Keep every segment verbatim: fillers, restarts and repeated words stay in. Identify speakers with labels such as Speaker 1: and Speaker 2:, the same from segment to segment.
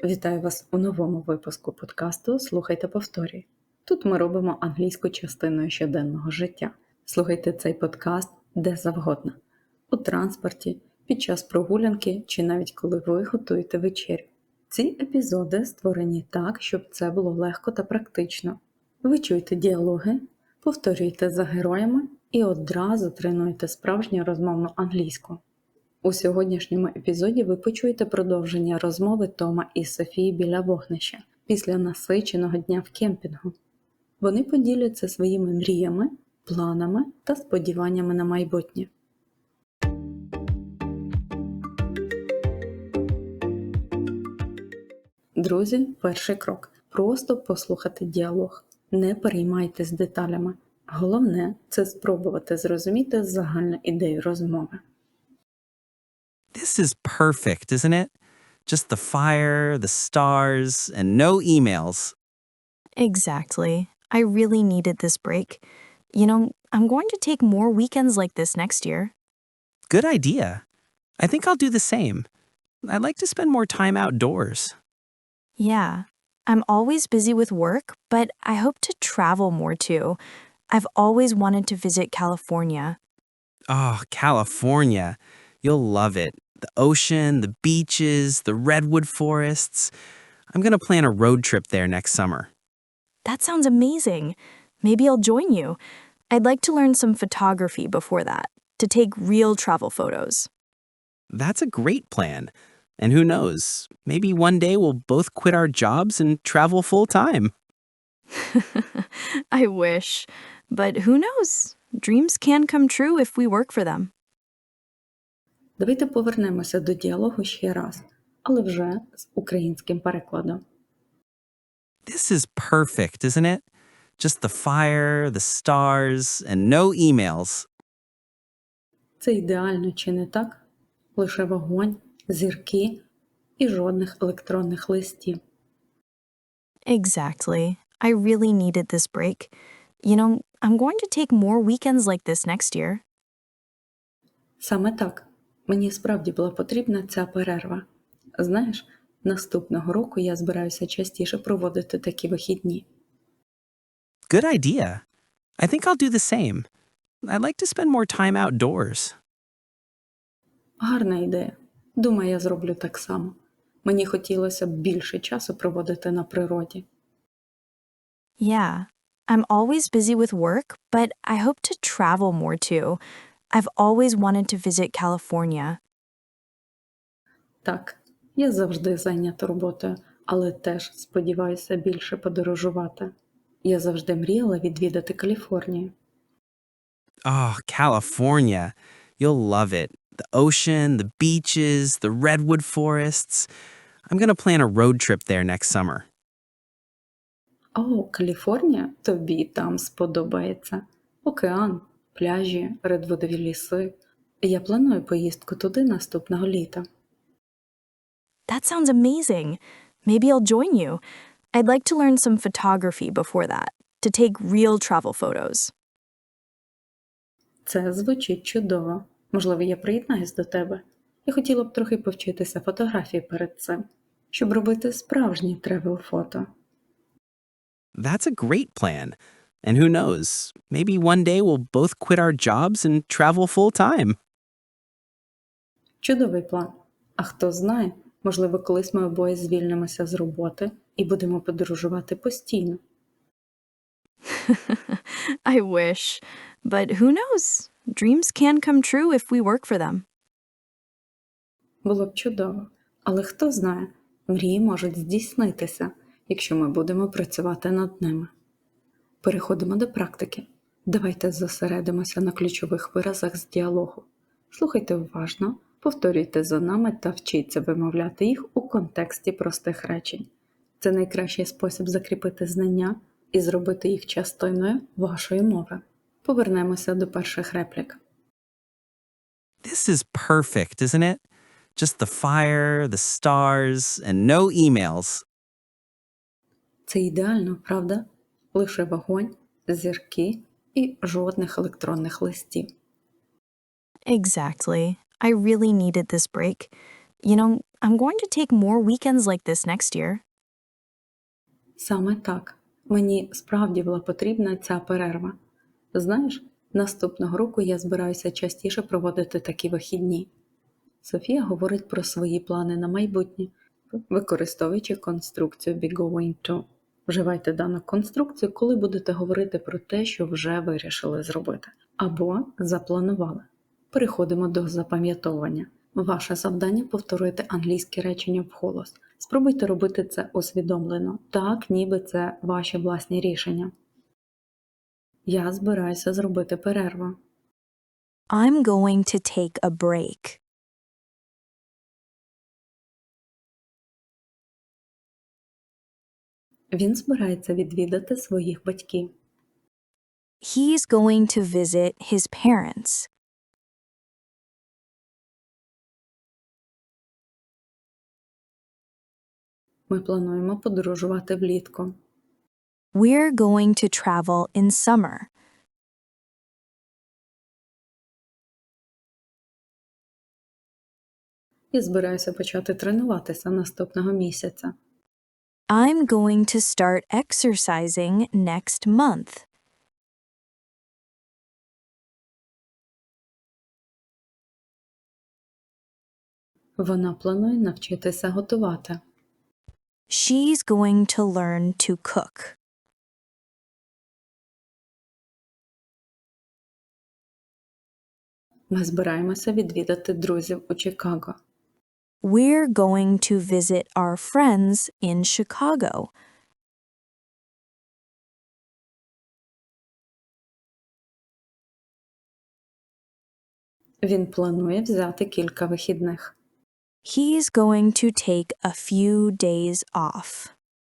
Speaker 1: Вітаю вас у новому випуску подкасту «Слухай та повторюй». Тут ми робимо англійську частиною щоденного життя. Слухайте цей подкаст де завгодно. У транспорті, під час прогулянки чи навіть коли ви готуєте вечерю. Ці епізоди створені так, щоб це було легко та практично. Ви чуєте діалоги, повторюєте за героями і одразу тренуєте справжню розмовну англійську. У сьогоднішньому епізоді ви почуєте продовження розмови Тома і Софії біля вогнища після насиченого дня в кемпінгу. Вони поділяться своїми мріями, планами та сподіваннями на майбутнє. Друзі, перший крок – просто послухати діалог. Не переймайтесь деталями. Головне – це спробувати зрозуміти загальну ідею розмови.
Speaker 2: This is perfect, isn't it? Just the fire, the stars, and no emails.
Speaker 3: Exactly. I really needed this break. You know, I'm going to take more weekends like this next year.
Speaker 2: Good idea. I think I'll do the same. I'd like to spend more time outdoors.
Speaker 3: Yeah. I'm always busy with work, but I hope to travel more too. I've always wanted to visit California.
Speaker 2: Oh, California. You'll love it. The ocean, the beaches, the redwood forests. I'm going to plan a road trip there next summer.
Speaker 3: That sounds amazing. Maybe I'll join you. I'd like to learn some photography before that, to take real travel photos.
Speaker 2: That's a great plan. And who knows, maybe one day we'll both quit our jobs and travel full-time.
Speaker 3: I wish. But who knows? Dreams can come true if we work for them.
Speaker 1: Давайте повернемося до діалогу ще раз, але вже з українським перекладом.
Speaker 2: This is perfect, isn't it? Just the fire, the stars, and no emails.
Speaker 1: Це ідеально, чи не так? Лише вогонь, зірки і жодних електронних листів.
Speaker 3: Exactly. I really needed this break. You know, I'm going to take more weekends like this next year.
Speaker 1: Саме так. Мені справді була потрібна ця перерва. Знаєш, наступного року я збираюся частіше проводити такі вихідні.
Speaker 2: Good idea. I think I'll do the same. I'd like to spend more time outdoors.
Speaker 1: Гарна ідея. Думаю, я зроблю так само. Мені хотілося б більше часу проводити на природі.
Speaker 3: Yeah. I'm always busy with work, but I hope to travel more too. I've always wanted to visit California.
Speaker 1: Так, я завжди зайнята роботою, але теж сподіваюся більше подорожувати. Я завжди мріяла відвідати Каліфорнію.
Speaker 2: Oh, California. You'll love it. The ocean, the beaches, the redwood forests. I'm going to plan a road trip there next summer.
Speaker 1: О, Каліфорнія? Тобі там сподобається. Океан, пляжі, редвудові ліси. Я планую поїздку туди наступного літа.
Speaker 3: That sounds amazing. Maybe I'll join you. I'd like to learn some photography before that, to take real travel photos.
Speaker 1: Це звучить чудово. Можливо, я приєднаюсь до тебе. Я хотіла б трохи повчитися фотографії перед цим, щоб робити справжні тревел-фото.
Speaker 2: That's a great plan. And who knows, maybe one day we'll both quit our jobs and travel full-time.
Speaker 1: Чудовий план. А хто знає, можливо, колись ми обоє звільнимося з роботи і будемо подорожувати постійно.
Speaker 3: I wish. But who knows? Dreams can come true if we work for them.
Speaker 1: Було б чудово. Але хто знає, мрії можуть здійснитися, якщо ми будемо працювати над ними. Переходимо до практики. Давайте зосередимося на ключових виразах з діалогу. Слухайте уважно, повторюйте за нами та вчіться вимовляти їх у контексті простих речень. Це найкращий спосіб закріпити знання і зробити їх частиною вашої мови. Повернемося до перших реплік.
Speaker 2: This is perfect, isn't it? Just the fire, the stars, and no emails.
Speaker 1: Це ідеально, правда? Лише вогонь, зірки і жодних електронних листів.
Speaker 3: Exactly. I really needed this break. You know, I'm going to take more weekends like this next year.
Speaker 1: Саме так. Мені справді була потрібна ця перерва. Знаєш, наступного року я збираюся частіше проводити такі вихідні. Софія говорить про свої плани на майбутнє, використовуючи конструкцію be going to. Вживайте дану конструкцію, коли будете говорити про те, що вже вирішили зробити, або запланували. Переходимо до запам'ятовування. Ваше завдання – повторювати англійські речення вголос. Спробуйте робити це усвідомлено, так ніби це ваші власні рішення. Я збираюся зробити перерву.
Speaker 3: I'm going to take a break.
Speaker 1: Він збирається відвідати своїх батьків.
Speaker 3: He's going to visit his parents.
Speaker 1: Ми плануємо подорожувати влітку.
Speaker 3: We're going to travel in summer.
Speaker 1: І збираюся почати тренуватися наступного місяця.
Speaker 3: I'm going to start exercising next month.
Speaker 1: Вона планує навчитися готувати.
Speaker 3: She's going to learn to cook.
Speaker 1: Ми збираємося відвідати друзів у Чикаго.
Speaker 3: We're going to visit our friends in Chicago.
Speaker 1: Він планує взяти кілька вихідних.
Speaker 3: He's going to take a few days off.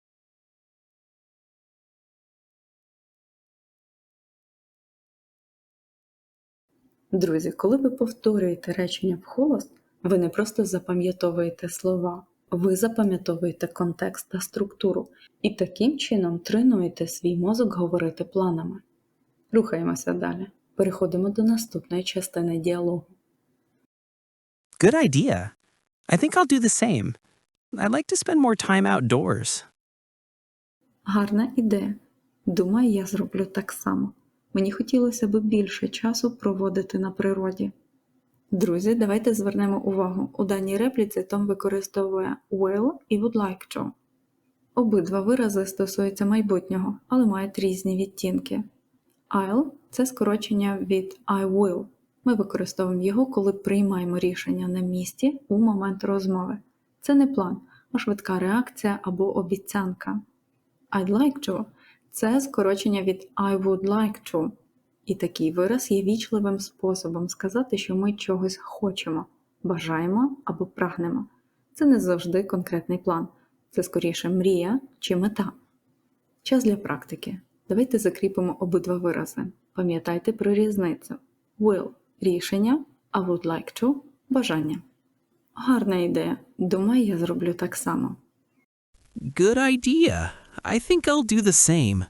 Speaker 1: Друзі, коли ви повторюєте речення вголос, ви не просто запам'ятовуєте слова, ви запам'ятовуєте контекст та структуру і таким чином тренуєте свій мозок говорити планами. Рухаємося далі. Переходимо до наступної частини діалогу.
Speaker 2: Good idea. I think I'll do the same. I'd like to spend more time outdoors.
Speaker 1: Гарна ідея. Думаю, я зроблю так само. Мені хотілося б більше часу проводити на природі. Друзі, давайте звернемо увагу. У даній репліці Том використовує will і would like to. Обидва вирази стосуються майбутнього, але мають різні відтінки. I'll – це скорочення від I will. Ми використовуємо його, коли приймаємо рішення на місці у момент розмови. Це не план, а швидка реакція або обіцянка. I'd like to – це скорочення від I would like to. І такий вираз є вічливим способом сказати, що ми чогось хочемо, бажаємо або прагнемо. Це не завжди конкретний план. Це скоріше мрія чи мета. Час для практики. Давайте закріпимо обидва вирази. Пам'ятайте про різницю. Will – рішення, а would like to – бажання. Гарна ідея. Думаю, я зроблю так само.
Speaker 2: Good idea. I think I'll do the same.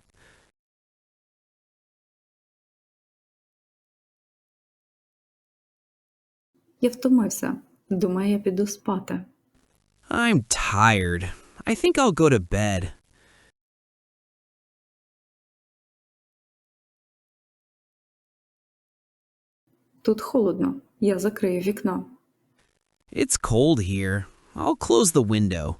Speaker 1: Я втомився. Думаю, я піду спати.
Speaker 2: I'm tired. I think I'll go to bed.
Speaker 1: Тут холодно. Я закрию вікно.
Speaker 2: It's cold here. I'll close the window.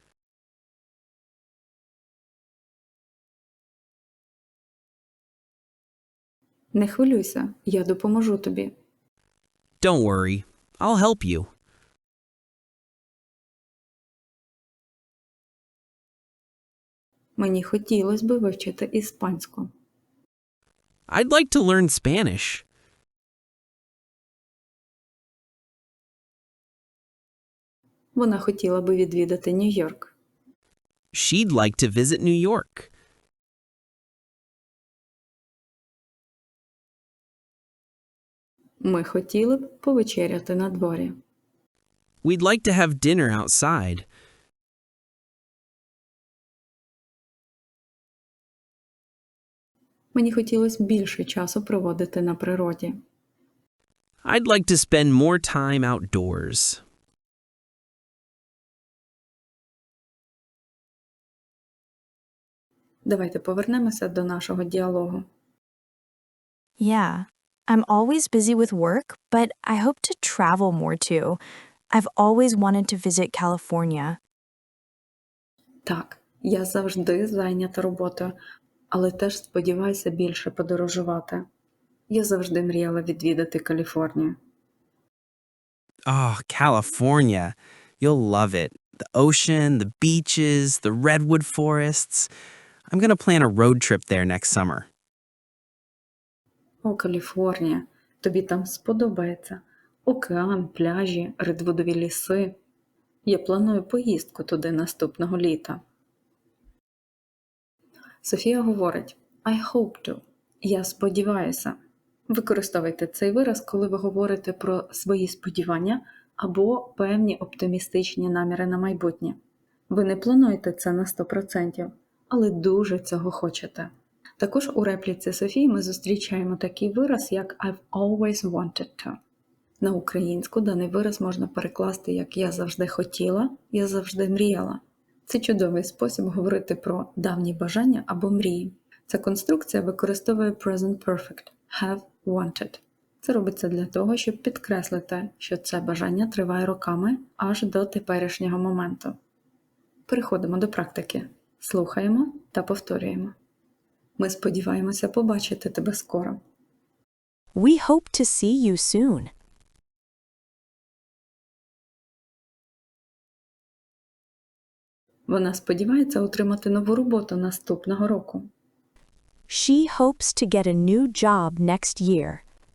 Speaker 1: Не хвилюйся. Я допоможу тобі.
Speaker 2: Don't worry. I'll help you.
Speaker 1: Мені хотілося б вивчити іспанську.
Speaker 2: I'd like to learn Spanish.
Speaker 1: Вона хотіла би відвідати Нью-Йорк.
Speaker 2: She'd like to visit New York.
Speaker 1: Ми хотіли б повечеряти на дворі.
Speaker 2: We'd like to have dinner outside.
Speaker 1: Мені хотілося б більше часу проводити на природі.
Speaker 2: I'd like to spend more time outdoors.
Speaker 1: Давайте повернемося до нашого діалогу.
Speaker 3: Yeah, I'm always busy with work, but I hope to travel more too. I've always wanted to visit California.
Speaker 1: Так, я завжди зайнята роботою, але теж сподіваюся більше подорожувати. Я завжди мріяла відвідати Каліфорнію.
Speaker 2: Oh, California. You'll love it. The ocean, the beaches, the redwood forests. I'm going to plan a road trip there next summer.
Speaker 1: О, Каліфорнія, тобі там сподобається. Океан, пляжі, редвудові ліси. Я планую поїздку туди наступного літа. Софія говорить I hope to. Я сподіваюся. Використовуйте цей вираз, коли ви говорите про свої сподівання або певні оптимістичні наміри на майбутнє. Ви не плануєте це на сто відсотків, але дуже цього хочете. Також у репліці Софії ми зустрічаємо такий вираз, як I've always wanted to. На українську даний вираз можна перекласти як «я завжди хотіла», «я завжди мріяла». Це чудовий спосіб говорити про давні бажання або мрії. Ця конструкція використовує present perfect – have wanted. Це робиться для того, щоб підкреслити, що це бажання триває роками аж до теперішнього моменту. Переходимо до практики. Слухаємо та повторюємо. Ми сподіваємося побачити тебе скоро.
Speaker 3: We hope to see you soon.
Speaker 1: Вона сподівається отримати нову роботу наступного року.
Speaker 3: She hopes to get a new job next year.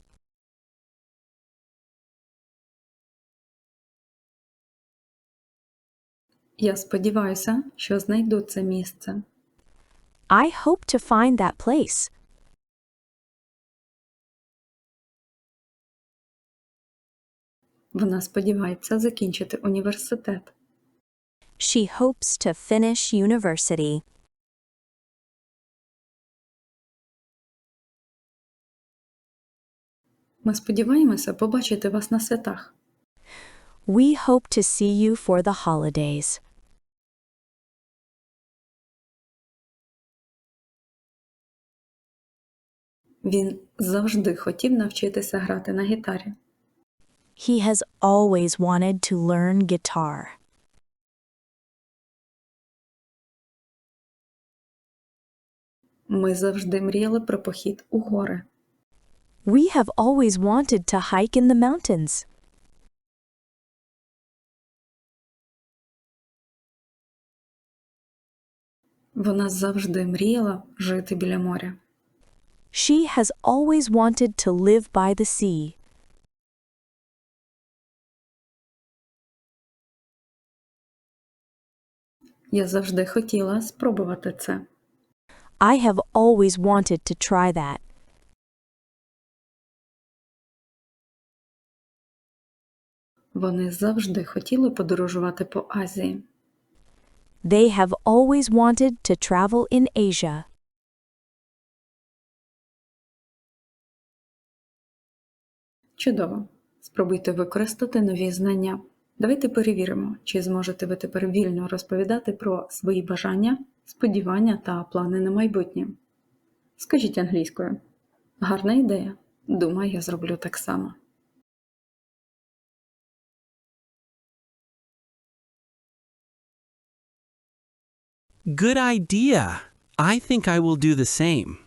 Speaker 1: Я сподіваюся, що знайду це місце.
Speaker 3: I hope to find that place.
Speaker 1: Вона сподівається закінчити університет.
Speaker 3: She hopes to finish university.
Speaker 1: Ми сподіваємося побачити вас на святах.
Speaker 3: We hope to see you for the holidays.
Speaker 1: Він завжди хотів навчитися грати на гітарі.
Speaker 3: He has always wanted to learn guitar.
Speaker 1: Ми завжди мріяли про похід у гори.
Speaker 3: We have always wanted to hike in the mountains.
Speaker 1: Вона завжди мріяла жити біля моря.
Speaker 3: She has always wanted to live by the sea.
Speaker 1: Я завжди хотіла спробувати це.
Speaker 3: I have always wanted to try that.
Speaker 1: Вони завжди хотіли подорожувати по Азії.
Speaker 3: They have always wanted to travel in Asia.
Speaker 1: Чудово. Спробуйте використати нові знання. Давайте перевіримо, чи зможете ви тепер вільно розповідати про свої бажання, сподівання та плани на майбутнє. Скажіть англійською. Гарна ідея. Думаю, я зроблю так само.
Speaker 2: Good idea. I think I will do the same.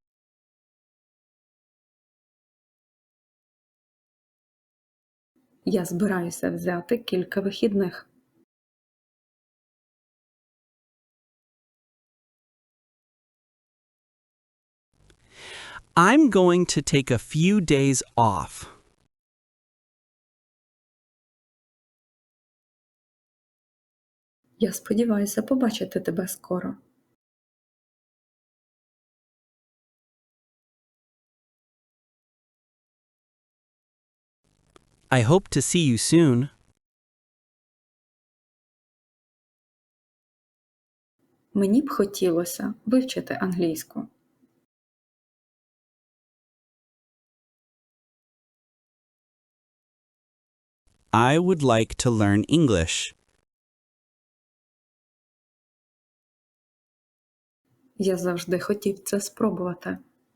Speaker 1: Я збираюся взяти кілька вихідних.
Speaker 2: I'm going to take a few days off.
Speaker 1: Я сподіваюся побачити тебе скоро.
Speaker 2: I hope to see you soon.
Speaker 1: Мені б хотілося вивчити англійську.
Speaker 2: I would like to learn English.
Speaker 1: Я завжди хотів це спробувати.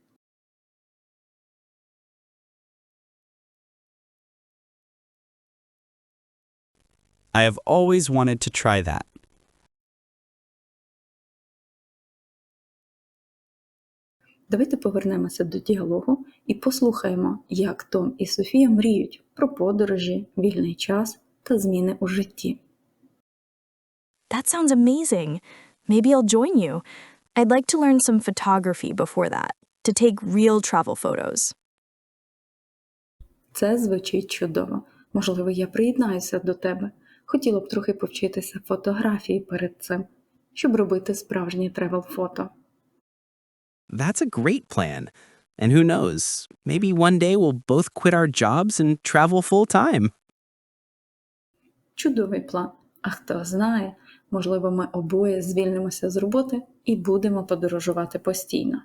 Speaker 2: I have always wanted to try that.
Speaker 1: Давайте повернемося до діалогу і послухаємо, як Том і Софія мріють про подорожі, вільний час та зміни у житті.
Speaker 3: That sounds amazing. Maybe I'll join you. I'd like to learn some photography before that, to take real travel photos.
Speaker 1: Це звучить чудово. Можливо, я приєднаюся до тебе. Хотіла б трохи повчитися фотографії перед цим, щоб робити справжні тревел-фото.
Speaker 2: That's a great plan. And who knows, maybe one day we'll both quit our jobs and travel full time.
Speaker 1: Чудовий план. А хто знає, можливо, ми обоє звільнимося з роботи і будемо подорожувати постійно.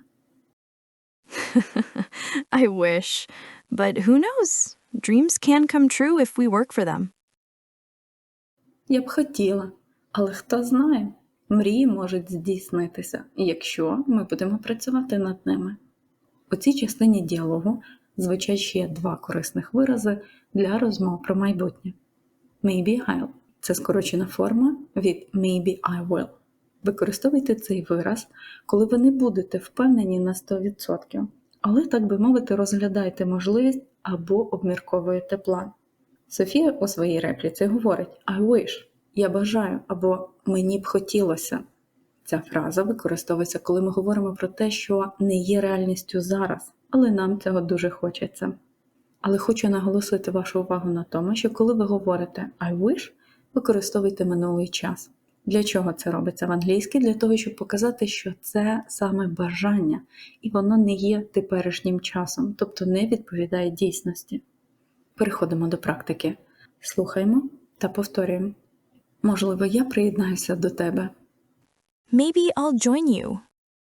Speaker 3: I wish. But who knows? Dreams can come true if we work for them.
Speaker 1: Я б хотіла, але хто знає, мрії можуть здійснитися, якщо ми будемо працювати над ними. У цій частині діалогу звучать ще два корисних вирази для розмов про майбутнє. Maybe I'll – це скорочена форма від maybe I will. Використовуйте цей вираз, коли ви не будете впевнені на сто відсотків, але, так би мовити, розглядаєте можливість або обмірковуєте план. Софія у своїй репліці говорить I wish – я бажаю або мені б хотілося. Ця фраза використовується, коли ми говоримо про те, що не є реальністю зараз, але нам цього дуже хочеться. Але хочу наголосити вашу увагу на тому, що коли ви говорите I wish, використовуйте минулий час. Для чого це робиться в англійській? Для того, щоб показати, що це саме бажання, і воно не є теперішнім часом, тобто не відповідає дійсності. Переходимо до практики. Слухаємо та повторюємо. Можливо, я приєднаюся до тебе.
Speaker 3: Maybe I'll join you.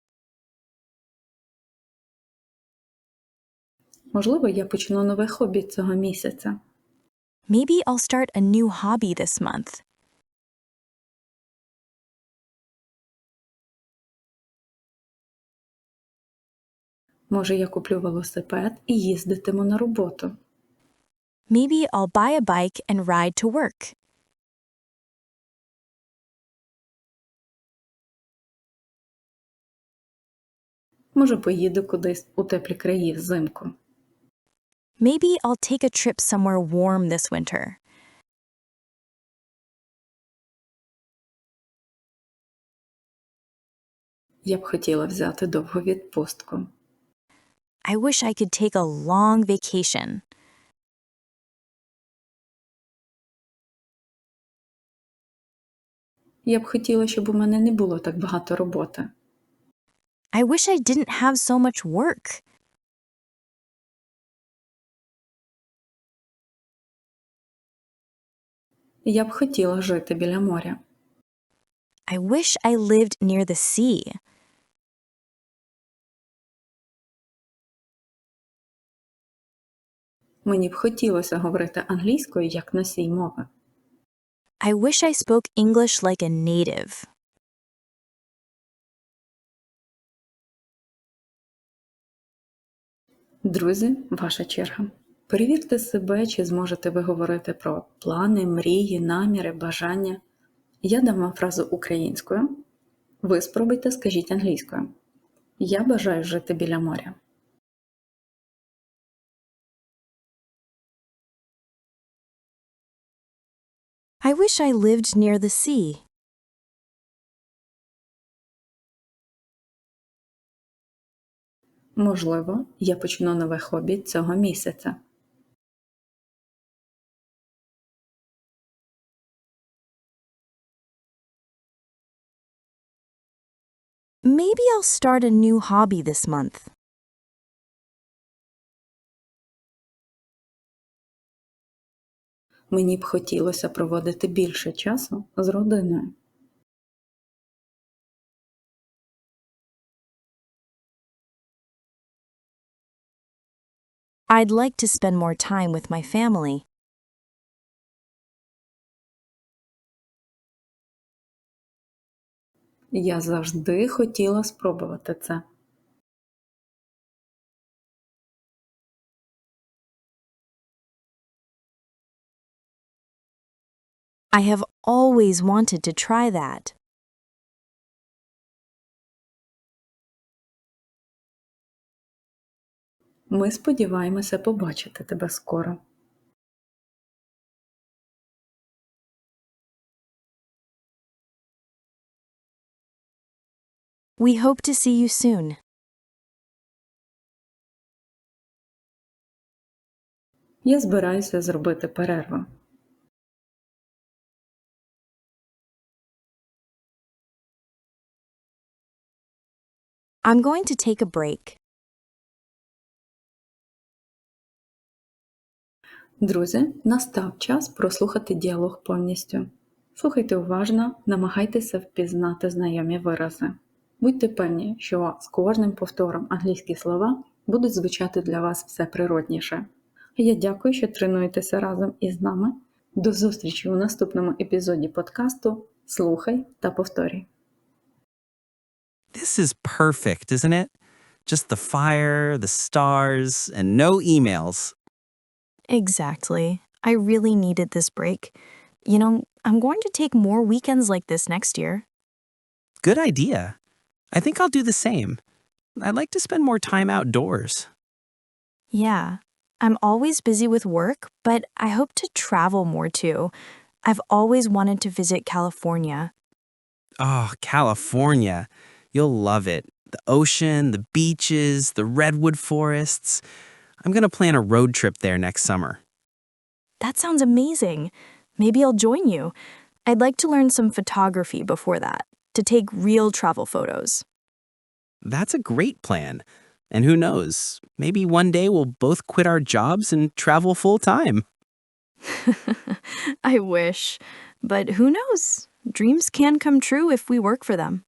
Speaker 1: Можливо, я почну нове хобі цього місяця.
Speaker 3: Maybe I'll start a new hobby this month.
Speaker 1: Може, я куплю велосипед і їздитиму на роботу.
Speaker 3: Maybe I'll buy a bike and ride to work.
Speaker 1: Може, поїду кудись у теплі краї взимку.
Speaker 3: Maybe I'll take a trip somewhere warm this winter.
Speaker 1: Я б хотіла взяти довгу відпустку.
Speaker 3: I wish I could take a long vacation.
Speaker 1: Я б хотіла, щоб у мене не було так багато роботи.
Speaker 3: I wish I didn't have so much work.
Speaker 1: Я б хотіла жити біля моря.
Speaker 3: I wish I lived near the sea.
Speaker 1: Мені б хотілося говорити англійською як носій мови.
Speaker 3: I wish I spoke English like a native.
Speaker 1: Друзі, ваша черга. Перевірте себе, чи зможете ви говорити про плани, мрії, наміри, бажання. Я дам вам фразу українською. Ви спробуйте, скажіть англійською. Я бажаю жити біля моря.
Speaker 3: I wish I lived near the sea.
Speaker 1: Можливо, я почну нове хобі цього місяця.
Speaker 3: Maybe I'll start a new hobby this month.
Speaker 1: Мені б хотілося проводити більше часу з родиною.
Speaker 3: I'd like to spend more time with my family.
Speaker 1: Я завжди хотіла спробувати це.
Speaker 3: I have always wanted to try that.
Speaker 1: Ми сподіваємося побачити тебе скоро.
Speaker 3: We hope to see you soon.
Speaker 1: Я збираюся зробити перерву.
Speaker 3: I'm going to take a break.
Speaker 1: Друзі, настав час прослухати діалог повністю. Слухайте уважно, намагайтеся впізнати знайомі вирази. Будьте певні, що з кожним повтором англійські слова будуть звучати для вас все природніше. Я дякую, що тренуєтеся разом із нами. До зустрічі у наступному епізоді подкасту «Слухай та повторюй».
Speaker 2: This is perfect, isn't it? Just the fire, the stars, and no emails.
Speaker 3: Exactly. I really needed this break. You know, I'm going to take more weekends like this next year.
Speaker 2: Good idea. I think I'll do the same. I'd like to spend more time outdoors.
Speaker 3: Yeah, I'm always busy with work, but I hope to travel more too. I've always wanted to visit California.
Speaker 2: Oh, California. You'll love it. The ocean, the beaches, the redwood forests. I'm going to plan a road trip there next summer.
Speaker 3: That sounds amazing. Maybe I'll join you. I'd like to learn some photography before that, to take real travel photos.
Speaker 2: That's a great plan. And who knows, maybe one day we'll both quit our jobs and travel full time.
Speaker 3: I wish. But who knows? Dreams can come true if we work for them.